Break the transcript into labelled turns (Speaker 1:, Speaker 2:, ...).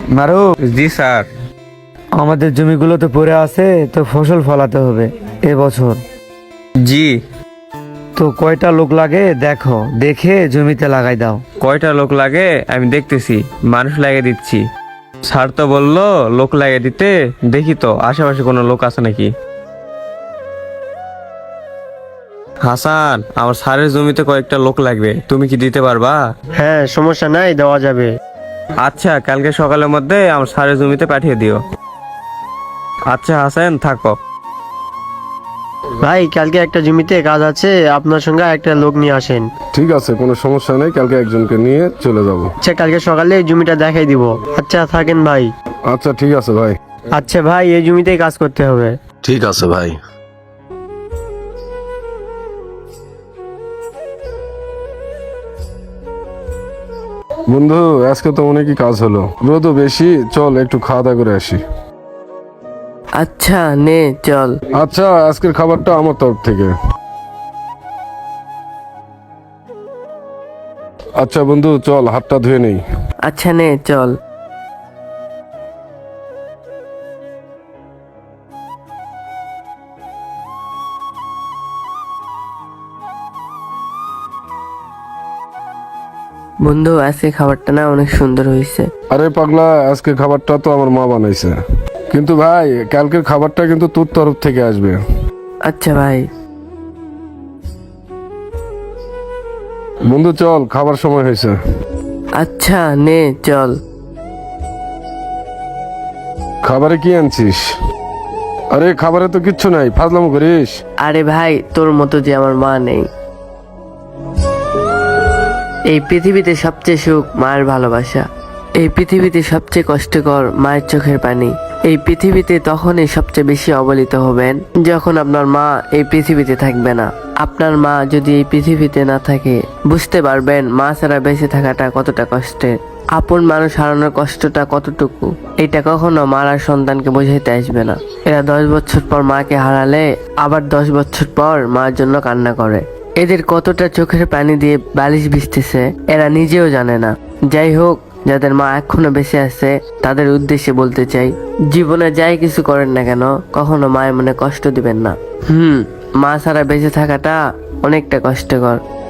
Speaker 1: মারু,
Speaker 2: জি sir.
Speaker 1: আমাদের জমিগুলো তো পড়ে আছে, তো ফসল ফলাতে হবে এবছর।
Speaker 2: জি।
Speaker 1: তো কয়টা লোক লাগে দেখো, দেখে জমিতে লাগাই দাও।
Speaker 2: কয়টা লোক লাগে আমি দেখতেছি, মানুষ লাগিয়ে দিচ্ছি। স্যার তো বললো লোক লাগিয়ে দিতে, দেখি তো আশেপাশে কোনো লোক আছে নাকি। হাসান, আমার স্যারের জমিতে কয়েকটা লোক লাগবে, তুমি কি দিতে পারবা?
Speaker 3: হ্যাঁ, সমস্যা নাই, দেওয়া যাবে।
Speaker 2: আচ্ছা, কালকে সকালের মধ্যে আমার স্যারের জমিতে পাঠিয়ে দিও। আচ্ছা হাসান, থাকো।
Speaker 3: ভাই, কালকে একটা জমিতে কাজ আছে, আপনার সঙ্গে একটা লোক নিয়ে আসেন।
Speaker 4: ঠিক আছে, কোনো সমস্যা নেই, কালকে একজনকে নিয়ে চলে যাব।
Speaker 3: আচ্ছা, কালকে সকালে জমিটা দেখাই দিব। আচ্ছা থাকেন ভাই।
Speaker 4: আচ্ছা ঠিক আছে ভাই।
Speaker 3: আচ্ছা ভাই, এই জমিতেই কাজ করতে হবে।
Speaker 4: ঠিক আছে ভাই। বন্ধু, আজকে তো অনেকই কাজ হলো, রোদও বেশি, চল একটু খাওয়া দাওয়া করে আসি।
Speaker 5: আচ্ছা নে চল।
Speaker 4: আচ্ছা, আজকের খাবারটা আমার তরফ থেকে। আচ্ছা বন্ধু, চল হাতটা ধুয়ে নেই।
Speaker 5: আচ্ছা নে চল। বন্ধু, আজকে খাবারটা না অনেক সুন্দর হয়েছে।
Speaker 4: আরে পাগলা, আজকের খাবারটা তো আমার মা বানাইছে, কিন্তু ভাই কালকের খাবারটা কিন্তু তোর তরফ থেকে আসবে।
Speaker 5: আচ্ছা ভাই।
Speaker 4: বন্ধু চল, খাবার সময় হয়েছে।
Speaker 5: আচ্ছা নে চল।
Speaker 4: খাবারে কি আনছিস? আরে খাবারে তো কিচ্ছু নাই, ফাজলামো করিস।
Speaker 5: আরে ভাই, তোর মতো যে আমার মা নেই। এই পৃথিবীতে সবচেয়ে সুখ মায়ের ভালোবাসা। এই পৃথিবীতে সবচেয়ে কষ্টকর মায়ের চোখের পানি। এই পৃথিবীতে তখনই সবচেয়ে বেশি অবহেলিত হবেন যখন আপনার মা এই পৃথিবীতে থাকবে না। আপনার মা যদি এই পৃথিবীতে না থাকে, বুঝতে পারবেন মা ছাড়া বেঁচে থাকাটা কতটা কষ্টের, আপন মানুষ হারানোর কষ্টটা কতটুকু। এটা কখনো মার আর সন্তানকে বোঝাইতে আসবে না। এরা 10 বছর পর মাকে হারালে আবার 10 বছর পর মার জন্য কান্না করে। এদের কতটা চোখের পানি দিয়ে বালিশ ভিজতেছে এরা নিজেও জানে না। যাই হোক, যাদের মা এখনো বেঁচে আছে তাদের উদ্দেশ্যে বলতে চাই, জীবনে যাই কিছু করেন না কেন, কখনো মায়ের মনে কষ্ট দিবেন না। মা ছাড়া বেঁচে থাকাটা অনেকটা কষ্টকর।